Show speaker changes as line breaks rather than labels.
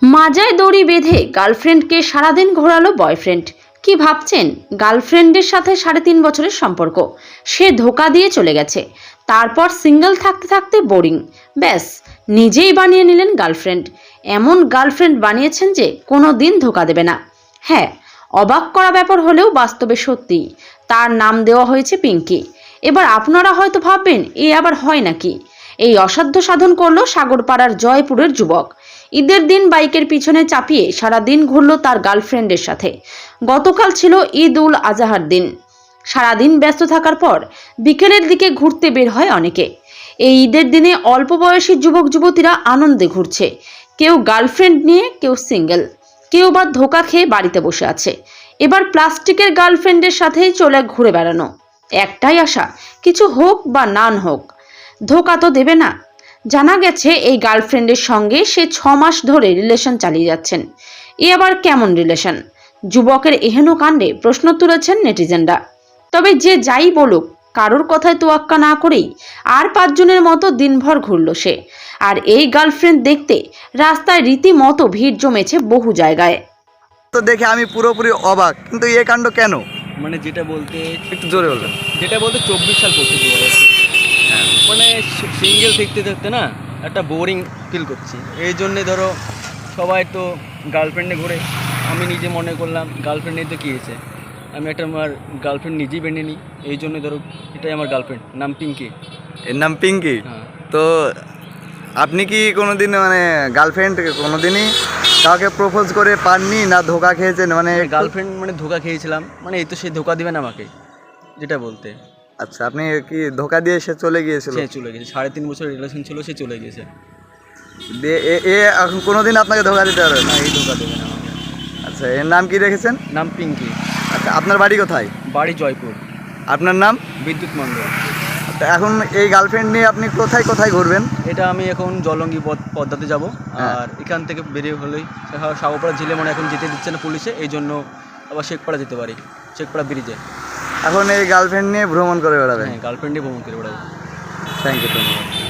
মাজায় দড়ি বেঁধে গার্লফ্রেন্ডকে সারাদিন ঘোরালো বয়ফ্রেন্ড। কি ভাবছেন? গার্লফ্রেন্ডের সাথে 3.5 বছরের সম্পর্ক, সে ধোকা দিয়ে চলে গেছে। তারপর সিঙ্গেল থাকতে থাকতে বোরিং, ব্যাস নিজেই বানিয়ে নিলেন গার্লফ্রেন্ড। এমন গার্লফ্রেন্ড বানিয়েছেন যে কোনো দিন ধোকা দেবে না। হ্যাঁ, অবাক করা ব্যাপার হলেও বাস্তবে সত্যি। তার নাম দেওয়া হয়েছে পিঙ্কি। এবার আপনারা হয়তো ভাববেন, এ আবার হয় নাকি? এই অসাধ্য সাধন করলো সাগরপাড়ার জয়পুরের যুবক। ঈদের দিন বাইকের পিছনে চাপিয়ে সারা দিন ঘুরলো তার গার্লফ্রেন্ডের সাথে। গতকাল ছিল ঈদ উল আজহার দিন। সারাদিন ব্যস্ত থাকার পর বিকেলের দিকে ঘুরতে বের হয় অনেকে। এই ঈদের দিনে অল্প বয়সী যুবক যুবতীরা আনন্দে ঘুরছে। কেউ গার্লফ্রেন্ড নিয়ে, কেউ সিঙ্গেল, কেউ বা ধোকা খেয়ে বাড়িতে বসে আছে। এবার প্লাস্টিকের গার্লফ্রেন্ডের সাথেই চলে ঘুরে বেড়ানো। একটাই আশা, কিছু হোক বা নান হোক, ধোকা তো দেবে না। জানা গেছে এই গার্লফ্রেন্ডের সঙ্গে সে 6 মাস ধরে রিলেশন চালিয়ে যাচ্ছেন। এ আবার কেমন রিলেশন? যুবকের এহেন কাণ্ডে প্রশ্ন তুলেছেন নেটিজেনরা। তবে যে যাই বলুক, কারোর কথায় তোয়াক্কা না করেই আর 5 জনের মতো দিনভর ঘুরল সে। আর এই গার্লফ্রেন্ড দেখতে রাস্তায় রীতিমতো ভিড় জমেছে বহু জায়গায়।
তো দেখে আমি পুরোপুরি অবাক, কিন্তু এ কাণ্ড কেন?
মানে যেটা বলতে
একটু জোরে বলবেন।
24 সাল পড়তে চলে গেছে। মানে সিঙ্গেল থাকতে থাকতে না একটা বোরিং ফিল করছি। এই জন্যে ধরো সবাই তো গার্লফ্রেন্ডে ঘুরে, আমি নিজে মনে করলাম গার্লফ্রেন্ডে তো কী হয়েছে, আমি একটা আমার গার্লফ্রেন্ড নিজেই বেঁধে নিই। এই জন্য ধরো এটাই আমার গার্লফ্রেন্ড, নাম পিঙ্কি।
এর নাম পিঙ্কি।
হ্যাঁ।
তো আপনি কি কোনোদিন মানে গার্লফ্রেন্ড কোনোদিনই কাউকে প্রপোজ করে পাননি, না ধোকা খেয়েছেন? মানে
গার্লফ্রেন্ড মানে ধোকা খেয়েছিলাম, মানে এই তো সে ধোকা দিবে না আমাকে, যেটা বলতে।
আচ্ছা, আপনি কি ধোকা দিয়ে সে চলে গিয়েছিল?
সে চলে গেছে, 3.5 বছর রিলেশন ছিল, সে চলে গেছে।
দিয়ে এ এখন কোনোদিন আপনাকে ধোকা দিতে পারবে না?
না, এই ধোকা দেবে না আমাকে।
আচ্ছা, এর নাম কি রেখেছেন?
নাম পিঙ্কি।
আচ্ছা, আপনার বাড়ি কোথায়?
বাড়ি জয়পুর।
আপনার নাম?
বিদ্যুৎ মন্ডল।
তো এখন এই গার্লফ্রেন্ড নিয়ে আপনি কোথায় কোথায় ঘুরবেন?
এটা আমি এখন জলঙ্গি পদ্মাতে যাব।
হ্যাঁ।
আর এখান থেকে বেরিয়ে হলেই সাগরপাড়া জেলে মানে এখন যেতে দিচ্ছে না পুলিশে, এই জন্য আবার শেখপাড়া যেতে পারি, শেখপাড়া ব্রিজে।
এখন এই গার্লফ্রেন্ড নিয়ে ভ্রমণ করে বেড়াবেন?
হ্যাঁ, গার্লফ্রেন্ডে ভ্রমণ করে বেড়াবো।
Thank you.